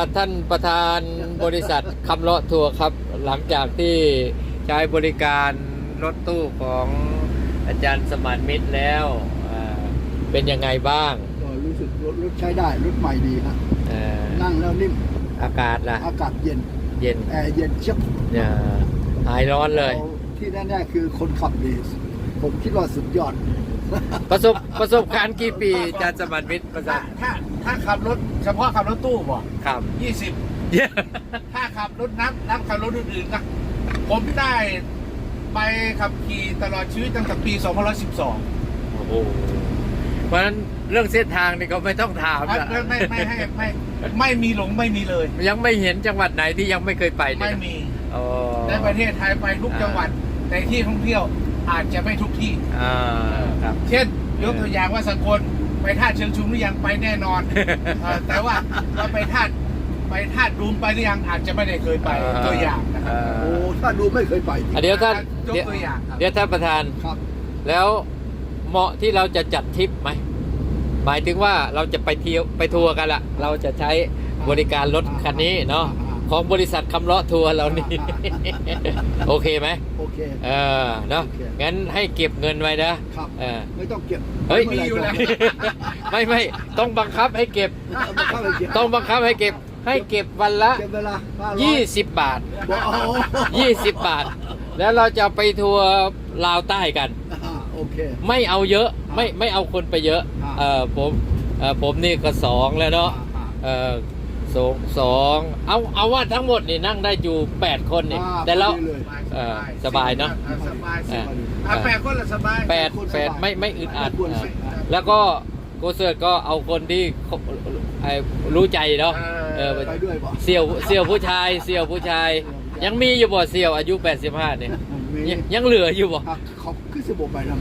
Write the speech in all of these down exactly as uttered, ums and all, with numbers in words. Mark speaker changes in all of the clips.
Speaker 1: ท่านประธานบริษัทคำเลาะทัวร์ครับหลังจากที่ใช้บริการรถตู้ของอาจารย์สมานมิตรแล้วเป็นยังไงบ้าง
Speaker 2: ก็รู้สึกรถรถใช้ได้รถใหม่ดีครับนั่งแล้วนิ่ม
Speaker 1: อากาศล่ะ
Speaker 2: อากาศเย็น
Speaker 1: เย็น
Speaker 2: แอร์เย็นเชียบ
Speaker 1: หายร้อนเลย
Speaker 2: ที่แน่ๆคือคนขับดีผมคิดว่าสุดยอด
Speaker 1: ประสบประสบการณ์กี่ปีอาจารย์สมานมิตรประสบ
Speaker 3: ถ้าถ้าขับรถเฉพาะขับรถตู้บ่
Speaker 1: ครับ
Speaker 3: ยี่สิบถ้าขับรถน้ำน้ำขับรถอื่นๆนะผมได้ไปขับขี่ตลอดชีวิตตั้งแต่ปีสองพันสิบสอง
Speaker 1: โอ้โหเพราะฉะนั้นเรื่องเส้นทางนี่ก็ไม่ต้องถามละ
Speaker 3: ไม่ไม่ไม่ให้ไม่ไม่มีหลงไม่มีเลย
Speaker 1: ยังไม่เห็นจังหวัดไหนที่ยังไม่เคยไป
Speaker 3: ไม่มีในประเทศไทยไปทุกจังหวัดในที่ท่องเที่ยวอาจจะไม่ทุกที่เช่นยกตัวอย่างว่าสังคนไปท่าเชิงชุมหรือยังไปแน่นอนแต่ว่าเราไปท่าไปท่าดูมไปหรือยังอาจจะไม่ได้เคยไปตัวอย่างนะครับ
Speaker 2: โอ้ท่าดูไม่เคยไป
Speaker 1: เดี๋ยวท่าน
Speaker 3: ยกตัวอย่าง
Speaker 1: เดี๋ยวท่านประธาน
Speaker 2: ครับ
Speaker 1: แล้วเหมาะที่เราจะจัดทริปไหมหมายถึงว่าเราจะไปเที่ยวไปทัวร์กันละเราจะใช้บริการรถคันนี้เนาะของบริษัทคำเลาะทัวร์เรานี่โอเคไหม
Speaker 2: โอเค
Speaker 1: เออเนาะงั้นให้เก็บเงินไว้นะครับเออ
Speaker 2: ไม่ต้องเก็บ
Speaker 1: เฮ้ยมีอยู่แล้วไม่ไม่ต้องบังคับให้เก็บต้องบังคับให้เก็บให้เก็บวันละยี่สิบบาทยี่สิบบาทแล้วเราจะไปทัวร์ลาวใต้กัน
Speaker 2: โอเค
Speaker 1: ไม่เอาเยอะไม่ไม่เอาคนไปเยอะเออผมเออผมนี่ก็สองแล้วเนาะเออสองสองเอาเอาว่าทั้งหมดนี่นั่งได้อยู่แปดคนนี่แต่เราสบายเนาะ
Speaker 3: สบายแปดคนละสบาย
Speaker 1: แปดแปดไม่ไม่อึดอัดแล้วก็โกเซิร์ตก็เอาคนที่รู้ใจเนาะเสี่ยวเสี่ยวผู้ชายเสี่ยวผู้ชายยังมีอยู่บ่เสี่ยวอายุแปดสิบห้าเนี่ยยังเหลืออยู่บ่
Speaker 2: เขาขึ้นสมบูรณ์ไปนะ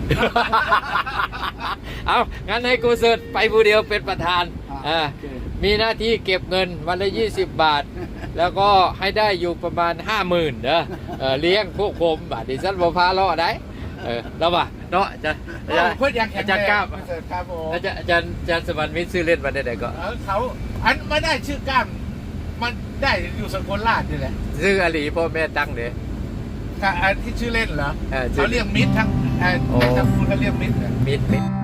Speaker 1: เอางั้นให้โกเซิร์ตไปผู้เดียวเป็นประธานอ่ามีหน้าที่เก็บเงินวันละยี่สิบบาทแล้วก็ให้ได้อยู่ประมาณห้าหมื่นเด้อเลี้ยงพวกผมบาทดิฉันบ่พาล้อได้เออแล้วว่ะเนาะจะอาจารย์ก้าวอาจารย์อาจารย์อาจารย์สมานมิตรซื้อเล่นมาได้ไหนก็
Speaker 3: เขาอันไม่ได้ชื่อก้ามมันได้อยู่สกลราชนี่แหละ
Speaker 1: ชื่ออลีพ่อแม่ตั้งเด้
Speaker 3: ที่ชื่อเล่นเหรอเขาเรียกมิตรทั้งทั้งคุณเขาเรียกมิตร
Speaker 1: มิตรมิตร